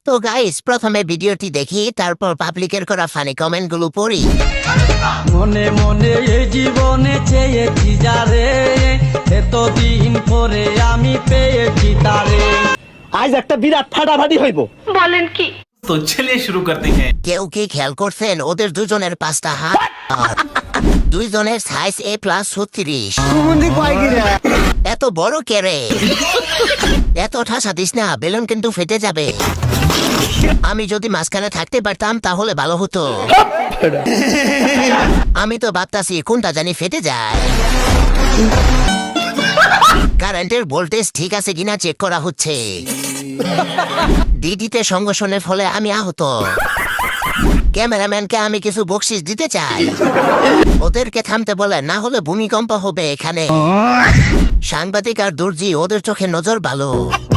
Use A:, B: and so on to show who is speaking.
A: তো গাইস প্রথমে ভিডিওটি দেখি, তারপর পাবলিকের করা ফানি কমেন্ট গুলো পড়ি।
B: মনে মনে এই জীবনে চেয়েছি যারে, এতদিন পরে আমি পেয়েছি তারে।
C: আজ একটা বিরাট ফাটাফাটি হইব।
D: तो चलिए शुरू करते हैं।
A: কেউ কি খেয়াল করছেন ওদের দুজনের 5টা হাত আর দুইজনের সাইজ A+36? এত বড় কেরে, এত ঠাসা দিস না, বেলুন কিন্তু ফেটে যাবে। আমি যদি মাঝখানে থাকতে পারতাম তাহলে ভালো হতো। আমি তো ভাবতাছি কোনটা জানি ফেটে যায়। কারেন্টের ভোল্টেজ ঠিক আছে কিনা চেক করা হচ্ছে। ডিডিতে সংঘর্ষণের ফলে আমি আহত। ক্যামেরাম্যানকে আমি কিছু বকশিস দিতে চাই। ওদেরকে থামতে বলে, না হলে ভূমিকম্প হবে এখানে। সাংবাদিক আর দর্জি ওদের চোখে নজর ভালো।